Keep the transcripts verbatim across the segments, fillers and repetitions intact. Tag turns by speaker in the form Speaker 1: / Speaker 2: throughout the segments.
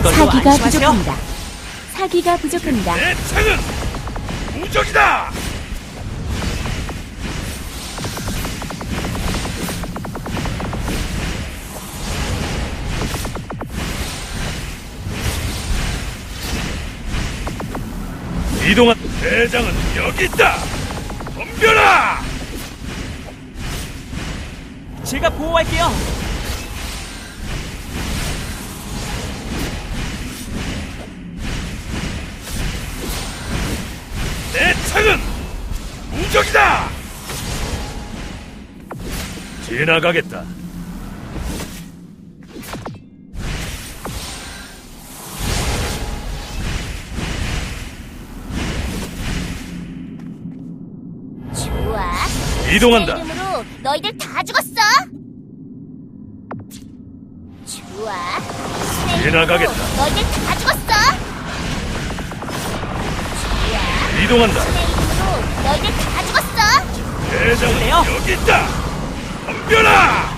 Speaker 1: 사기가
Speaker 2: 안심하세요.
Speaker 1: 부족합니다. 사기가 부족합니다.
Speaker 3: 내 창은 무적이다. 이동한 대장은 여기 있다. 덤벼라.
Speaker 2: 제가 보호할게요.
Speaker 3: 내 창은 무적이다. 지나가겠다.
Speaker 4: 좋아.
Speaker 3: 이동한다.
Speaker 4: 내 이름으로 너희들 다 죽었어. 좋아. 내
Speaker 3: 지나가겠다.
Speaker 4: 이름으로 너희들 다 죽었어. 좋아.
Speaker 3: 이동한다.
Speaker 4: 내 이름으로 너희들 다 죽었어.
Speaker 3: 대장은
Speaker 2: 그래요?
Speaker 3: 여기 있다. 덤벼라.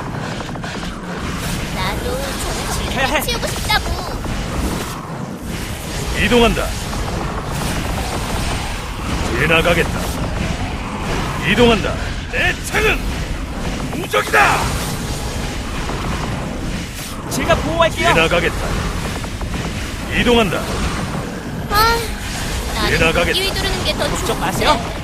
Speaker 4: 나도 저는
Speaker 2: 지켜야 해.
Speaker 4: 지금 치우고 싶다고.
Speaker 3: 이동한다. 지나가겠다. 이동한다. 내 창은 무적이다.
Speaker 2: 제가 보호할게요.
Speaker 3: 지나가겠다. 이동한다.
Speaker 4: 아, 나는
Speaker 3: 지나가겠다.
Speaker 4: 무기 휘두르는 게 더
Speaker 2: 걱정
Speaker 4: 좋은데.
Speaker 2: 마세요.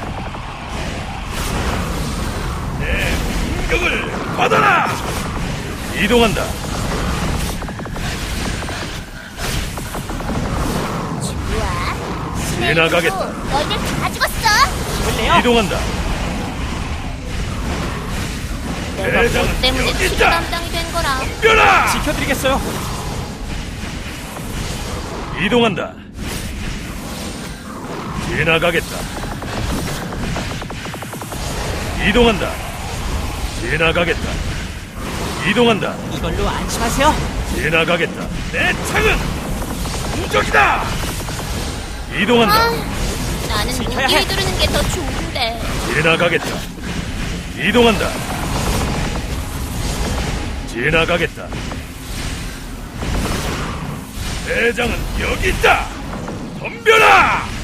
Speaker 3: 내 공격을 받아라. 이동한다.
Speaker 4: 좋아. 내
Speaker 3: 지나가겠다.
Speaker 4: 이름으로 너희들 다 죽었어.
Speaker 2: 볼래요?
Speaker 3: 이동한다.
Speaker 4: 내가
Speaker 3: 대장은
Speaker 4: 너 때문에
Speaker 3: 여기
Speaker 4: 치료
Speaker 3: 있다.
Speaker 4: 담당이 된 거라.
Speaker 3: 덤벼라.
Speaker 2: 지켜드리겠어요.
Speaker 3: 이동한다. 지나가겠다. 이동한다. 지나가겠다. 이동한다.
Speaker 2: 이걸로 안심하세요.
Speaker 3: 지나가겠다. 내 창은 무적이다. 이동한다.
Speaker 4: 아, 나는
Speaker 2: 지켜야
Speaker 4: 무기
Speaker 2: 해.
Speaker 4: 휘두르는 게 더 좋은데.
Speaker 3: 지나가겠다. 이동한다. 지나가겠다. 대장은 여기 있다. 덤벼라.